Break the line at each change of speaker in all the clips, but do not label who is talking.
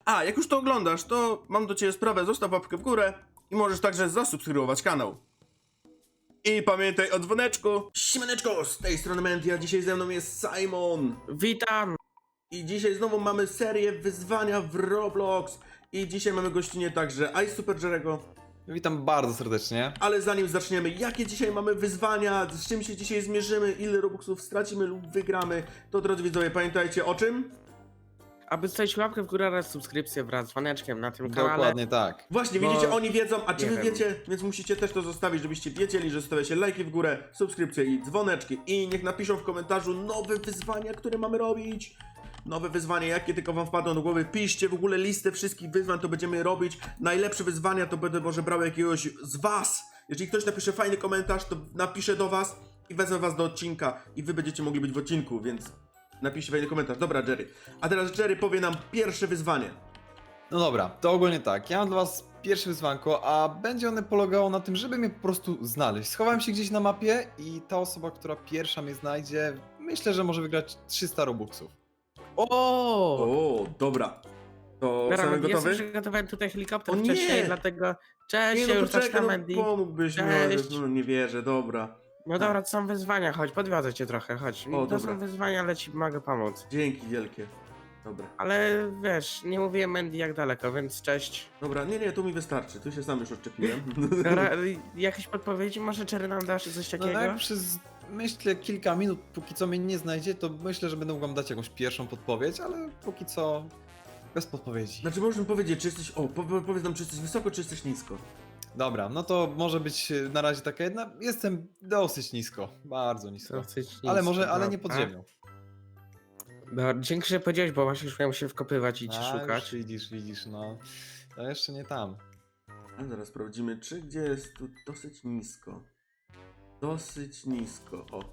A, jak już to oglądasz, to mam do ciebie sprawę, zostaw łapkę w górę i możesz także zasubskrybować kanał. I pamiętaj o dzwoneczku. Siemaneczko, z tej strony Mendy, a dzisiaj ze mną jest Simon.
Witam!
I dzisiaj znowu mamy serię wyzwania w Roblox. I dzisiaj mamy gościnie także Super Jerego.
Witam bardzo serdecznie.
Ale zanim zaczniemy, jakie dzisiaj mamy wyzwania, z czym się dzisiaj zmierzymy, ile Robuxów stracimy lub wygramy, to drodzy widzowie, pamiętajcie o czym?
Aby zostawić łapkę w górę oraz subskrypcję wraz z dzwoneczkiem na tym kanale.
Dokładnie tak.
Właśnie,
Bo-
widzicie, oni wiedzą, a czy
nie
wy
wiem.
wiecie, więc musicie też to zostawić, żebyście wiedzieli, że zostawiacie lajki w górę, subskrypcje i dzwoneczki. I niech napiszą w komentarzu nowe wyzwania, które mamy robić. Nowe wyzwania, jakie tylko wam wpadną do głowy. Piszcie w ogóle listę wszystkich wyzwań, to będziemy robić. Najlepsze wyzwania to będę może brał jakiegoś z was. Jeżeli ktoś napisze fajny komentarz, to napiszę do was i wezmę was do odcinka. I wy będziecie mogli być w odcinku, więc napiszcie fajny komentarz. Dobra, Jerry. A teraz Jerry powie nam pierwsze wyzwanie.
No dobra, to ogólnie tak. Ja mam dla was pierwsze wyzwanko, a będzie one polegało na tym, żeby mnie po prostu znaleźć. Schowałem się gdzieś na mapie i ta osoba, która pierwsza mnie znajdzie, myślę, że może wygrać 300 robuxów.
O!
O, dobra. To
Dobra,
same
ja sobie
gotowy?
przygotowałem tutaj helikopter
O nie!
wcześniej, dlatego... Cześć,
Nie,
ja
no
już
poczekaj,
zaczynam,
no
Andy.
pomógłbyś mi,
Cześć.
no nie wierzę, dobra.
No dobra, to są wyzwania, chodź, podwiozę cię trochę, chodź.
O,
To
dobra.
są wyzwania, ale ci mogę pomóc.
Dzięki wielkie. Dobra.
Ale wiesz, nie mówiłem Mandy jak daleko, więc cześć.
Dobra, nie, tu mi wystarczy, tu się sam już odczepiłem.
Dobra, jakieś podpowiedzi? Może Cherry nam dasz coś
No
takiego?
tak przez, myślę, kilka minut, póki co mnie nie znajdzie, to myślę, że będę mógł wam dać jakąś pierwszą podpowiedź, ale póki co bez podpowiedzi.
Znaczy możesz mi powiedzieć, czy jesteś, powiedz nam, czy jesteś wysoko, czy jesteś nisko.
Dobra, no to może być na razie taka jedna. Jestem dosyć nisko, bardzo nisko.
Dosyć
Ale
nisko,
może, ale nie pod
dobra.
ziemią.
Dobra, dzięki, że powiedziałeś, bo właśnie już miałem się wkopywać i cię
A,
szukać.
już widzisz, no. To jeszcze nie tam.
A zaraz sprawdzimy, czy gdzie jest tu dosyć nisko. Dosyć nisko, o.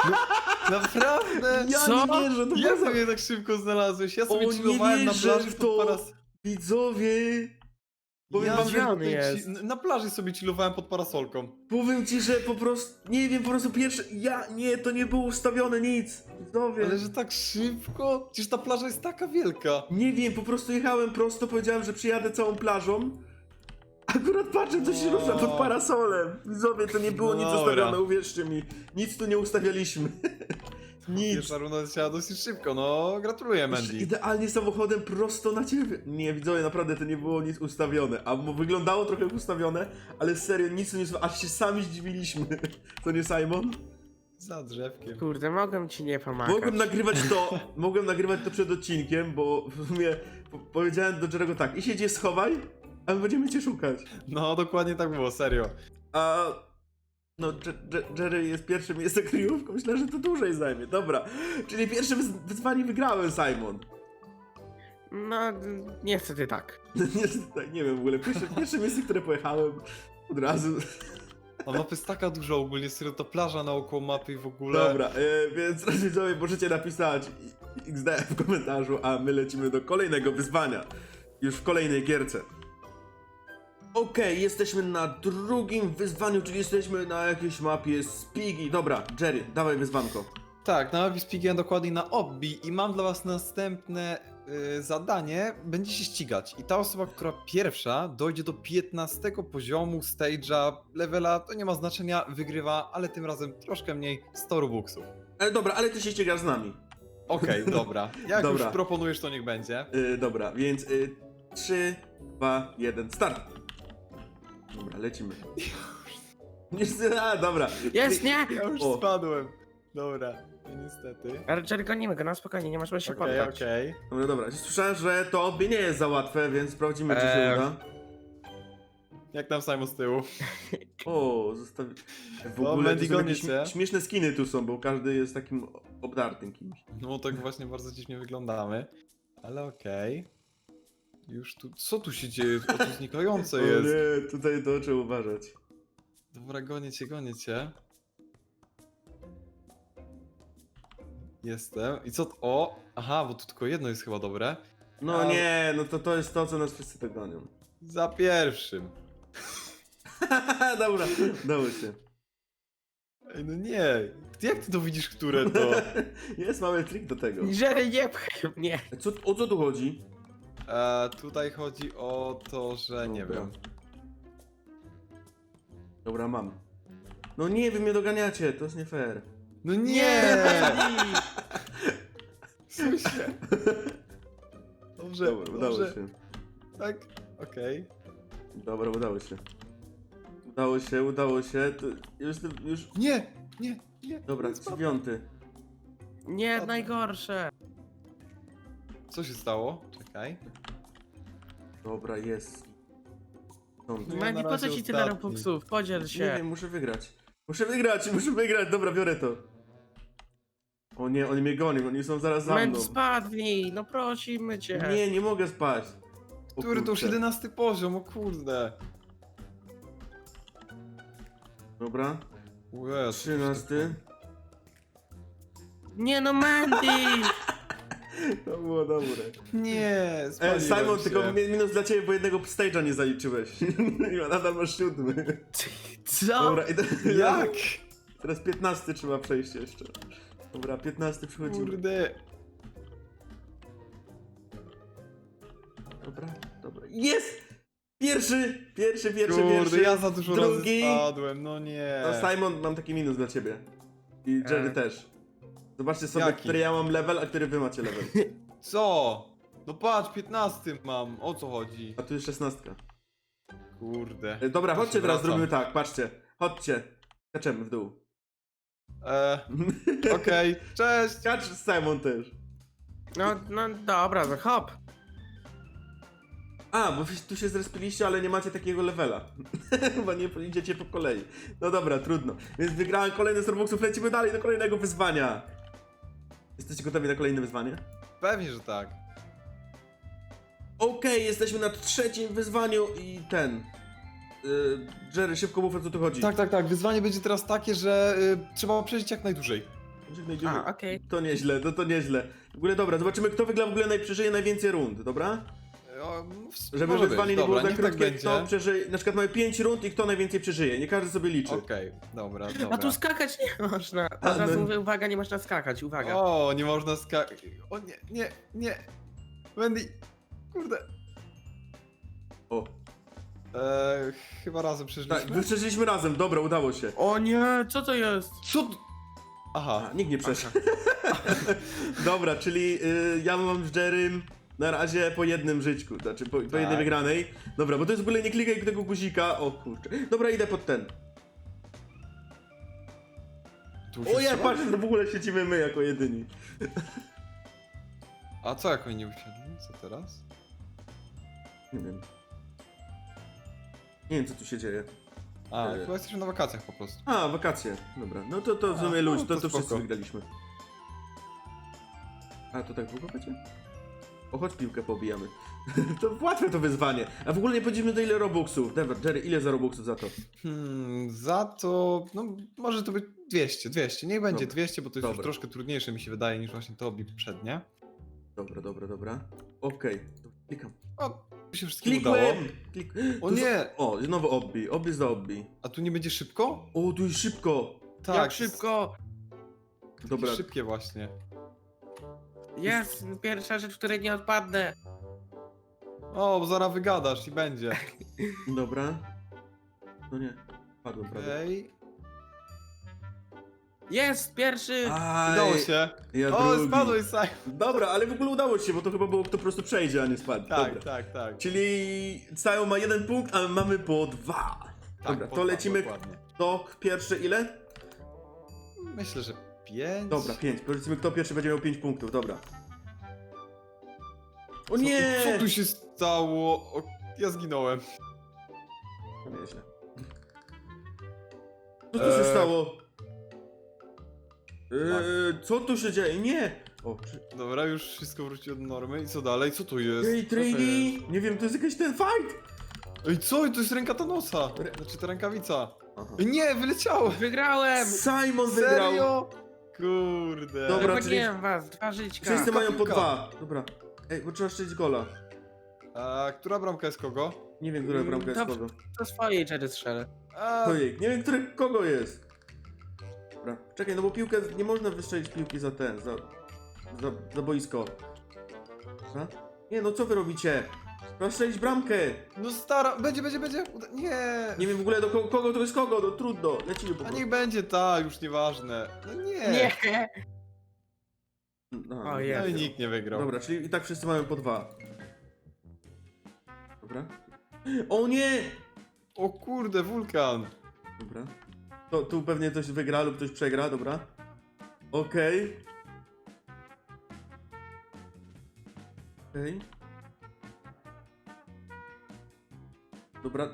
Naprawdę?
Ja
Co?
nie wierzę, to
Jak
bardzo...
sobie tak szybko znalazłeś? Ja sobie
O,
chillowałem
nie
na
wierzę
plaży
w
pod
to.
paras...
Widzowie! Powiem wam,
gdzie
że
on
tutaj
jest?
Na plaży sobie chillowałem pod parasolką.
powiem ci, że po prostu, nie wiem, po prostu pierwsze, to nie było ustawione nic. Widzowie.
Ale że tak szybko? Przecież ta plaża jest taka wielka.
Nie wiem, po prostu jechałem prosto, powiedziałem, że przyjadę całą plażą. Akurat patrzę, co się
No.
rusza pod parasolem. Widzowie, to nie było nic
Dobra.
ustawione, uwierzcie mi. Nic tu nie ustawialiśmy. Nic.
Pierwsza runda leciała dosyć szybko, no gratuluję Mandy.
Idealnie samochodem prosto na ciebie. Nie, widzowie, naprawdę to nie było nic ustawione. A wyglądało trochę jak ustawione, ale serio, nic tu nie ustawione. Aż się sami zdziwiliśmy. To nie Simon?
Za drzewkiem.
Kurde, mogę ci nie pomagać.
Mogłem nagrywać to przed odcinkiem, bo w sumie powiedziałem do Jerego tak, i się gdzieś schowaj, a my będziemy cię szukać.
No dokładnie tak było, serio.
A no, Jerry jest pierwszym, jest kryjówką, myślę, że to dłużej zajmie. Dobra, czyli pierwsze wyzwanie wygrałem, Simon.
No, niestety tak.
Niestety tak, nie wiem, w ogóle pierwsze miejsce, które pojechałem od razu.
A mapa jest taka duża ogólnie, serio, ta plaża naokoło mapy i w ogóle.
Dobra, więc widzowie, możecie napisać XD w komentarzu, a my lecimy do kolejnego wyzwania. Już w kolejnej gierce. Okej, jesteśmy na drugim wyzwaniu, czyli jesteśmy na jakiejś mapie Spigi. Dobra, Jerry, dawaj wyzwanko.
Tak, na mapie Spigen dokładnie na Obbi i mam dla was następne zadanie. Będzie się ścigać i ta osoba, która pierwsza dojdzie do 15 poziomu stage'a, levela, to nie ma znaczenia, wygrywa, ale tym razem troszkę mniej, 100 robuxów.
Dobra, ale ty się ścigasz z nami.
Okej, dobra. Jak
Dobra.
już proponujesz, to niech będzie.
Dobra, więc 3, 2, 1, start. Dobra, lecimy. Dobra.
Jest, nie!
Ja już
O.
spadłem. Dobra, no niestety.
Ale Cherry, gonimy go, na spokojnie, nie masz się
Okej,
poddać.
okej.
Dobra. Słyszałem, że to obie nie jest za łatwe, więc sprawdzimy, czy się uda.
Jak tam Simon z tyłu?
O, zostawi... W
O,
ogóle
Mandy
to są
goni
jakieś
cię.
śmieszne skiny tu są, bo każdy jest takim obdartym kimś.
No tak właśnie bardzo dziwnie wyglądamy. Ale okej. Już tu... Co tu się dzieje? O, tu znikające
O
jest.
nie, tutaj to trzeba uważać.
Dobra, gonię cię, gonię cię. Jestem. I co... O! Aha, bo tu tylko jedno jest chyba dobre.
No
A-
nie, no to jest to, co nas wszyscy dogonią.
Za pierwszym.
Dobra, dało się.
Ej, no nie. Jak ty to widzisz, które to?
Jest mały trik do tego.
Cherry, nie pchaj mnie!
O co tu chodzi?
Tutaj chodzi o to, że nie
Dobra.
wiem.
Dobra, mam. No nie, wy mnie doganiacie, to jest nie fair.
No nie!
Mandy!
Słyszę. Dobrze,
Dobra, udało
dobrze.
się.
Tak, okej.
Dobra, udało się. Udało się. To już...
Nie, nie.
Dobra,
nie spadł.
9.
Nie, najgorsze.
Co się stało? Czekaj.
Dobra, jest. Stąd.
No ja
Mandy,
na
po co
razie
ci tyle
ostatni.
robuxów? Podziel
Nie
się.
wiem, muszę wygrać. Muszę wygrać. Dobra, biorę to. O nie, oni mnie gonią, oni są zaraz za mną.
Mandy, spadnij, no prosimy cię.
Nie mogę spać. O
Który to już
kurczę.
11 poziom, o kurde.
Dobra,
O Jezu,
13.
Nie no, Mandy!
To było dobre.
Nie, spaliłem
Simon,
się.
tylko minus dla ciebie, bo jednego stage'a nie zaliczyłeś. I nadal masz 7.
Co?
Dobra, i
Jak?
teraz 15 trzeba przejść jeszcze. Dobra, 15 przychodzimy.
Kurde.
Dobra. Jest! Pierwszy.
Kurde, ja za dużo
Drugi.
razy spadłem, no nie.
No Simon, mam taki minus dla ciebie. I Jerry też. Zobaczcie sobie,
Jaki?
który ja mam level, a który wy macie level.
Co? No patrz, 15 mam, o co chodzi?
A tu jest 16.
Kurde.
Dobra,
To
chodźcie
się
teraz,
wracam.
zrobimy tak, patrzcie. Chodźcie. Skaczemy w dół.
Okej, cześć!
Skacz Simon też.
No dobra, no hop.
A, bo wy tu się zrespiliście, ale nie macie takiego levela. Chyba nie idziecie po kolei. No dobra, trudno. Więc wygrałem kolejny z Robuxów, lecimy dalej do kolejnego wyzwania. Jesteście gotowi na kolejne wyzwanie?
Pewnie, że tak.
Okej, jesteśmy na trzecim wyzwaniu i ten... Jerry, szybko mów, o co tu chodzi.
Tak. Wyzwanie będzie teraz takie, że trzeba przeżyć jak najdłużej.
A, okej.
To nieźle, to nieźle. W ogóle dobra, zobaczymy kto wygra w ogóle przeżyje najwięcej rund, dobra? Żeby
Może
wyzwanie
być.
nie było
Dobra,
za
niech tak
krótkie,
będzie.
kto przeżyje... Na przykład mamy 5 rund i kto najwięcej przeżyje, nie każdy sobie liczy.
Okej, dobra.
A tu skakać nie można.
A,
Od razu
no.
mówię, uwaga, nie można skakać, uwaga.
O, nie można skakać. O nie. Wendy, kurde.
O,
Chyba razem
tak,
przeżyliśmy.
przeżyliśmy razem, dobra, udało się.
O nie, co to jest?
Co? Aha.
A, nikt nie przeszedł. Dobra, czyli ja mam z Jerrym na razie po jednym żyćku, znaczy po jednej
Tak.
wygranej. Dobra, bo to jest w ogóle nie klikaj tego guzika, o kurczę. Dobra, idę pod ten.
Tu
O ja,
się
patrz, to w ogóle siedzimy my jako jedyni.
A co jak oni nie usiedli? Co teraz?
Nie wiem. Nie wiem co tu się dzieje.
A, chyba jesteśmy na wakacjach po prostu.
A, wakacje. Dobra, no to w sumie
A,
ludź,
no
to
to
wszyscy
spoko.
wygraliśmy. A, to tak długo będzie? O, chodź piłkę pobijamy. To łatwe to wyzwanie. A w ogóle nie powiedzieliśmy do ile robuxów. Dobra, Jerry, ile za robuxów za to?
Za to, no może to być 200. Niech będzie
Dobra.
200, bo to jest już
Dobra.
troszkę trudniejsze mi się wydaje niż właśnie to poprzednie.
Dobra. Okej, to klikam.
O, tu się wszystkim udało.
Klikłem!
O nie!
O, znowu obbi. Obbi za obbi.
A tu nie będzie szybko?
O, tu jest szybko.
Tak.
Jak szybko?
Dobra.
Szybkie właśnie.
Jest pierwsza rzecz, której nie odpadnę.
O, bo zaraz wygadasz i będzie.
Dobra. No nie, padłem prawie.
Okej.
Jest pierwszy!
Aj,
Udało się.
Ja
O,
drugi.
spadłeś, Simon.
Dobra, ale w ogóle udało się, bo to chyba było kto po prostu przejdzie, a nie spadł. Dobra.
Tak.
Czyli Sajo ma 1 punkt, a my mamy po 2. Dobra,
Tak,
to lecimy.
Dokładnie.
Kto pierwszy ile?
Myślę, że 5.
Dobra, 5. Powiedzmy kto pierwszy będzie miał 5 punktów, dobra. O
Co
nie!
tu, co tu się stało? O, ja zginąłem.
To nieźle. Co tu się stało? Co tu się dzieje? Nie! O,
Dobra, już wszystko wróciło do normy. I co dalej? Co to jest?
Ej, Trini! Nie wiem, to jest jakiś ten fight!
Ej, co? To jest ręka Thanosa. Znaczy ta rękawica.
Aha.
Ej, nie, wyleciało.
Wygrałem!
Simon wygrał!
Serio? Kurde.
Dobra,
Wypłaciłem was, 2 żyćka.
Wszyscy mają po
piłka.
2. Dobra. Ej, bo trzeba strzelić gola.
A która bramka jest kogo?
Nie wiem, która bramka jest
To-
kogo.
To swojej Jerry strzelę.
A,
Ojej, nie wiem, który kogo jest. Dobra, czekaj, no bo piłkę, nie można wystrzelić piłki za ten, za boisko. Co? Nie, no co wy robicie? Trzeba strzelić bramkę.
No stara, będzie. Nie.
Nie wiem w ogóle do kogo to jest kogo, no trudno. Lecimy po
A
prostu.
niech będzie ta, już nieważne. No nie.
Nie!
No,
O, jest.
No i nikt nie wygrał.
Dobra, czyli i tak wszyscy mają po 2. Dobra. O nie!
O kurde, wulkan.
Dobra. To tu pewnie ktoś wygra lub ktoś przegra, dobra. Okej. Okej. Dobra.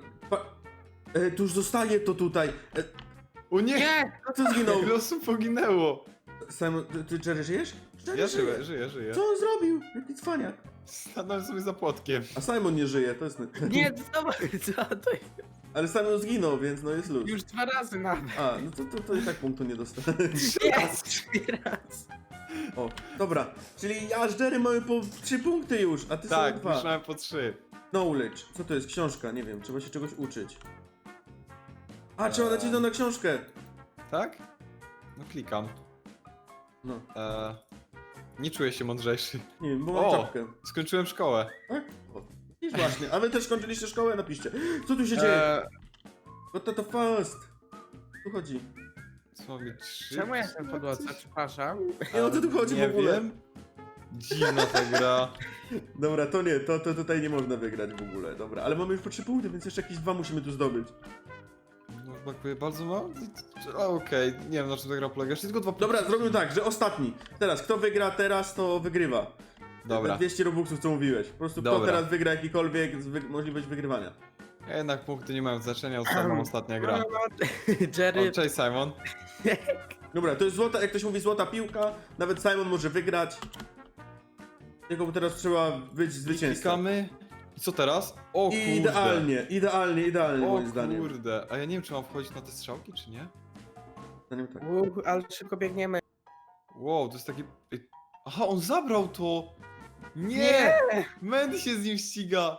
Tu już zostaje to tutaj.
O nie!
Nie!
Co zginął?
Ile osób poginęło?
Simon, ty Jerry żyjesz? Jerry
Ja
żyje.
żyję.
Co on zrobił? Jaki cwaniak.
Stanąłem sobie za płotkiem.
A Simon nie żyje, to jest...
Nie, zobacz, co to jest?
Ale Simon zginął, więc no jest luz.
Już 2 razy nawet.
A, no to i tak punktu nie dostanę.
Jest! 3 razy.
O, dobra. Czyli ja z Jerry mamy po 3 punkty już, a ty
Tak,
sobie 2.
myślałem po 3.
Knowledge. Co to jest? Książka, nie wiem, trzeba się czegoś uczyć. A, trzeba nacisnąć na książkę.
Tak? No klikam.
No,
Nie czuję się mądrzejszy.
nie wiem, bo mam
O!
czapkę.
Skończyłem szkołę.
Tak? O. Widzisz właśnie, a wy też skończyliście szkołę? Napiszcie. Co tu się dzieje? What the first? Tu chodzi.
Co mi 3?
Czemu ja jestem podłodze? Przepraszam.
Nie, o co tu chodzi
nie
w ogóle?
Wiem. Dziwna ta gra.
Dobra, to nie, to tutaj nie można wygrać w ogóle, dobra. Ale mamy już po 3 punkty, więc jeszcze jakieś 2 musimy tu zdobyć.
No brakuje bardzo mało? A okej, nie wiem na czym ta gra polega. Jeszcze tylko 2 punkty.
Dobra, zrobimy tak, że ostatni. Teraz, kto wygra teraz, to wygrywa.
Dobra.
200 robuxów, co mówiłeś. Po prostu kto
Dobra.
teraz wygra jakikolwiek możliwość wygrywania.
Jednak punkty nie mają znaczenia, ostatnia ostatnia gra.
No,
O,
Jerry,
cześć Simon.
Dobra, to jest złota, jak ktoś mówi złota piłka, nawet Simon może wygrać. Tylko teraz trzeba być zwycięzcą.
Klikamy. I co teraz? O kurde.
Idealnie
O
moim zdaniem.
kurde. A ja nie wiem czy mam wchodzić na te strzałki czy nie?
Zdaniem tak.
ale szybko biegniemy.
Wow, to jest taki... Ej, aha, on zabrał to! Nie!
Nie!
Mandy się z nim ściga!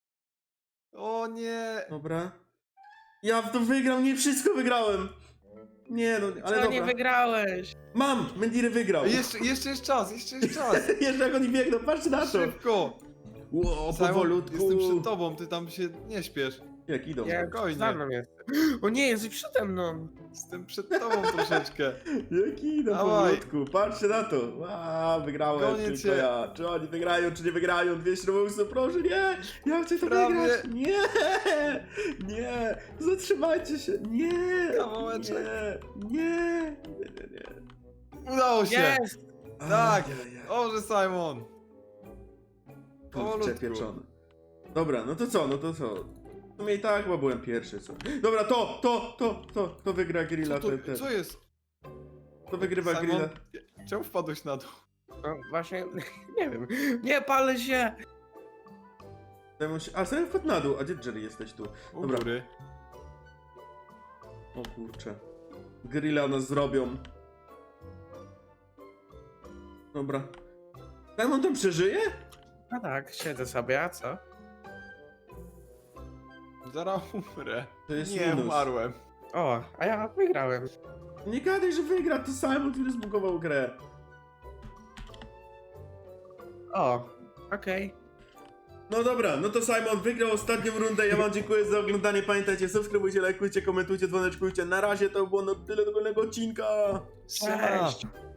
O nie!
Dobra. Ja w to wygram, nie wszystko wygrałem. Nie no, ale
Co
dobra.
nie wygrałeś?
Mam! Mendiry wygrał.
Jeszcze jest czas, jeszcze jest czas!
Jeszcze jak oni biegną, patrzcie na to.
Szybko!
Ło,
Simon,
powolutku.
jestem przed tobą, ty tam się nie śpiesz.
Jak idą.
Ja
spokojnie.
za mną jest. O nie, jesteś przede mną.
Jestem przed tobą troszeczkę.
Jak idą
Dawaj.
powolutku, patrzcie na to. Wygrałem,
Gonię
tylko
cię.
ja. Czy oni wygrają, czy nie wygrają? 200 robuxów, proszę, nie! Ja chcę to
Prawie.
wygrać! Nie! Nie! Zatrzymajcie się! Nie!
Kawałeczek.
Nie!
Udało się!
Jest!
Tak.
Ajajaj.
Dobrze Simon!
Kurczę
Powolutku.
pieczony. Dobra, no to co, W sumie i tak, bo byłem pierwszy, co? Dobra, to wygra grilla,
Co jest?
to wygrywa
Simon,
grilla.
czemu wpadłeś na dół?
No właśnie, nie wiem. Nie palę się!
A, sobie wpadł na dół, a gdzie Jerry jesteś tu?
U
Dobra.
góry.
O kurczę. Grilla nas zrobią. Dobra. Simon tam przeżyje?
No tak, siedzę sobie, a co?
Zaraz umrę.
To jest
Nie,
minus.
umarłem.
O, a ja wygrałem.
Nie gadaj, że wygra, to Simon, który zbugował grę.
O, okej.
No dobra, no to Simon wygrał ostatnią rundę. Ja wam dziękuję za oglądanie. Pamiętajcie, subskrybujcie, lajkujcie, komentujcie, dzwoneczkujcie. Na razie to było na tyle do kolejnego odcinka.
Siema.
Cześć!